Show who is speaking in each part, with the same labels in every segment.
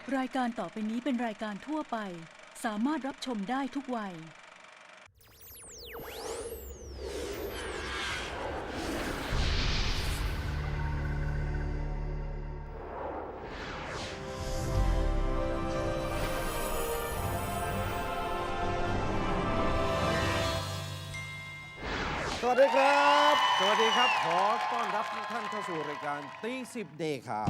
Speaker 1: รายการต่อไปนี้เป็นรายการทั่วไปสามารถรับชมได้ทุกวัย
Speaker 2: สวัสดีครับ สวัสดีครับ ขอต้อนรับทุกท่านเข้าสู่รายการตีสิบเดย์ครับ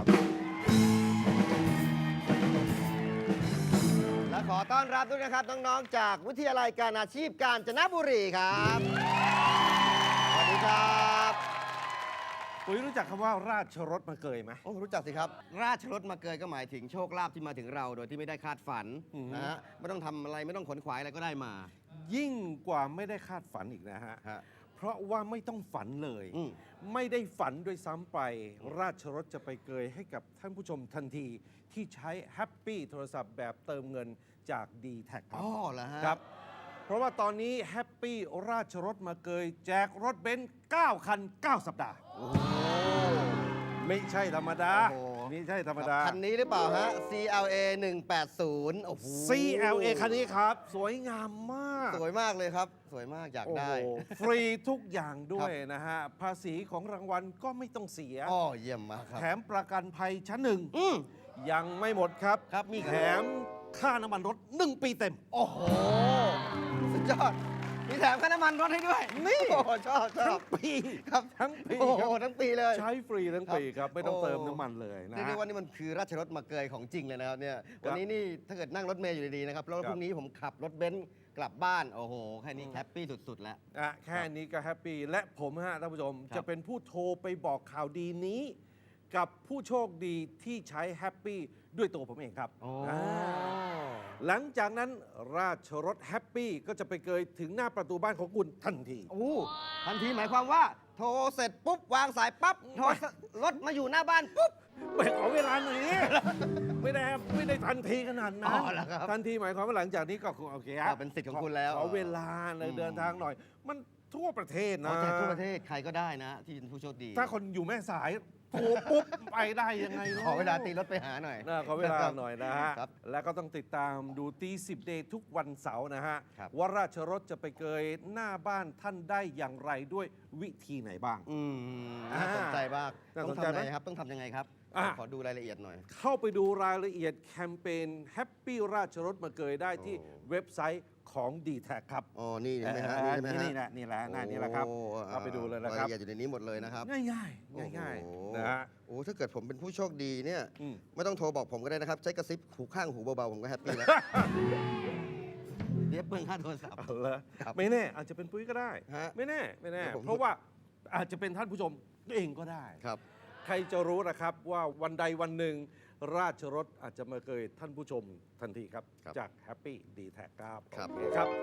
Speaker 3: และขอต้อนรับด้วยนะครับน้องๆจากวิทยาลัยการอาชีพกาญจนบุรีครับ สวัสดีครับ
Speaker 2: ปุ๋ยรู้จักคำว่าราชรถมาเกยไหม
Speaker 3: โอ้รู้จักสิครับ ราชรถมาเกยก็หมายถึงโชคลาภที่มาถึงเราโดยที่ไม่ได้คาดฝันนะฮะไม่ต้องทำอะไรไม่ต้องขนขวายอะไรก็ได้มา
Speaker 2: ยิ่งกว่าไม่ได้คาดฝันอีกนะฮะ เพราะว่าไม่ต้องฝันเลย ไม่ได้ฝันด้วยซ้ำไป ราชรถจะไปเกยให้กับท่านผู้ชมทันทีที่ใช้แฮปปี้โทรศัพท์แบบเติมเงินจาก d t แทค
Speaker 3: อ๋อเหรอฮะ
Speaker 2: ครับ เพราะว่าตอนนี้แฮปปี้ราชรถมาเกยแจกรถเบนซ์9 คัน 9 สัปดาห์ ไม่ใช่ธรรมดา
Speaker 3: โอ้โห
Speaker 2: ไม่ใช่ธรรมดา
Speaker 3: คันนี้หรือเปล่าฮะ CLA 180โอ้โห
Speaker 2: CLA คันนี้ครับ สวยงามมาก
Speaker 3: สวยมากเลยครับ สวยมากอยาก
Speaker 2: โอ้
Speaker 3: ได้
Speaker 2: โหฟรีทุกอย่างด้วยนะฮะ ภาษีของรางวัลก็ไม่ต้องเสีย
Speaker 3: อ๋อเยี่ยมมากครับ
Speaker 2: แถมประกันภัยชั้นหนึ่ง
Speaker 3: อืม
Speaker 2: ยังไม่หมดครับ
Speaker 3: ครับมีครับ
Speaker 2: แถมค่าน้ำมันรถ 1 ปีเต็ม
Speaker 3: โอ้โห สุดยอด มีแถมค่าน้ำมันรถให้ด้วย
Speaker 2: นี่
Speaker 3: โอ้โหชอบช
Speaker 2: ทั้
Speaker 3: อง บ
Speaker 2: ปี
Speaker 3: ครับ
Speaker 2: ทั้งปี
Speaker 3: โอ้
Speaker 2: ค
Speaker 3: โห
Speaker 2: รับ
Speaker 3: ทั้งปีเลย
Speaker 2: ใช้ฟรีทั้งปีครับ ไม่ต้อง
Speaker 3: โอ้
Speaker 2: เติมน้ำมันเลยนะ
Speaker 3: เรียก
Speaker 2: ฮะ
Speaker 3: ได้ว่านี่มันคือราชรถมาเกยของจริงเลยนะครับเนี่ยวันนี้นี่ถ้าเกิดนั่งรถเมล์อยู่ดีๆนะครับแล้ว
Speaker 2: ครับ
Speaker 3: พรุ่งนี้ผมขับรถเบนซ์กลับบ้านโอ้โหแค่นี้แฮปปี้สุดๆแล้ว
Speaker 2: แค่นี้ก็แฮปปี้และผมฮะท่านผู้ชม
Speaker 3: ครับ
Speaker 2: จะเป็นผู้โทรไปบอกข่าวดีนี้ กับผู้โชคดีที่ใช้แฮปปี้ด้วยตัวผมเองครับ
Speaker 3: โอ้
Speaker 2: าหลังจากนั้นราชรถแฮปปี้ก็จะไปเกยถึงหน้าประตูบ้านของคุณทันที
Speaker 3: โอ้ทันทีหมายความว่า โทรเสร็จปุ๊บวางสายปั๊บโทรรถมาอยู่หน้าบ้านปุ๊บ
Speaker 2: ไปขอเวลาหน่อยนี่ ไม่ได้ทันทีขนาดนั้น
Speaker 3: อ๋อเหรอครับ
Speaker 2: ทันทีหมายความว่าหลังจากนี้ก็โอเคฮะ
Speaker 3: เป็นสิทธิ์ของคุณแล้ว
Speaker 2: ขอเวลาเลยเดินทางหน่อย มันทั่วประเทศนะ
Speaker 3: เอาแจกทั่วประเทศใครก็ได้นะ ที่เป็นผู้โชคดี
Speaker 2: ถ้าคนอยู่แม่สายโทรปุ๊บไปได้ยังไงนะ
Speaker 3: ขอเวลาตีรถไปหาหน่อย
Speaker 2: ขอเวลาหน่อยนะฮะ
Speaker 3: ครับ
Speaker 2: แล้วก็ต้องติดตามดูตีสิบเดย์ทุกวันเสาร์นะฮะ
Speaker 3: ครับ
Speaker 2: ว่าราชรถจะไปเกยหน้าบ้านท่านได้อย่างไรด้วยวิธีไหนบ้าง
Speaker 3: น่าสนใจมาก
Speaker 2: น่า
Speaker 3: ต้
Speaker 2: ส
Speaker 3: อน ง
Speaker 2: ใจ
Speaker 3: ทำ
Speaker 2: ไหม
Speaker 3: ยังไงครับ ต้องทำยังไงครับ
Speaker 2: อ่ะ
Speaker 3: ขอดูรายละเอียดหน่อย
Speaker 2: เข้าไปดูรายละเอียดแคมเปญแฮปปี้ราชรถมาเกยได้ที่เว็บไซต์ของ d t แทครับ
Speaker 3: อ๋อ นี่ใช่ไหมฮะ
Speaker 2: นี่
Speaker 3: ใช่ไหมฮะ
Speaker 2: นี่แหละนี่แหละหน้านี้แหละครับ
Speaker 3: โอ้
Speaker 2: เข้าไปดูเลยนะครับ
Speaker 3: รายละเอียดอยู่ในนี้หมดเลยนะครับ
Speaker 2: ง่ายๆง่าย
Speaker 3: โอ้โห
Speaker 2: ๆนะฮะ
Speaker 3: โอ้ถ้าเกิดผมเป็นผู้โชคดีเนี่ย
Speaker 2: อืม
Speaker 3: ไม่ต้องโทรบอกผมก็ได้นะครับ ใช้กระซิบหูข้างหูเบาๆผมก็แฮปปี้แล้ว เดี๋ยวเปลืองค่าโทรศัพท์
Speaker 2: เอาละ
Speaker 3: ครับ
Speaker 2: ไม่แน่อาจจะเป็นปุ้ยก็ได้
Speaker 3: ฮะ
Speaker 2: ไม่แน่
Speaker 3: เดี๋ยวผม
Speaker 2: เพราะว่าอาจจะเป็นท่านผู้ชมเองก็ได้
Speaker 3: ครับ
Speaker 2: ใครจะรู้นะครับว่าวันใดวันหนึ่ง ราชรถอาจจะมาเกยท่านผู้ชมทันทีครับ
Speaker 3: ครับ
Speaker 2: จากแฮปปี้ดีแท็กครับ
Speaker 3: ครับ
Speaker 2: โอเคครับ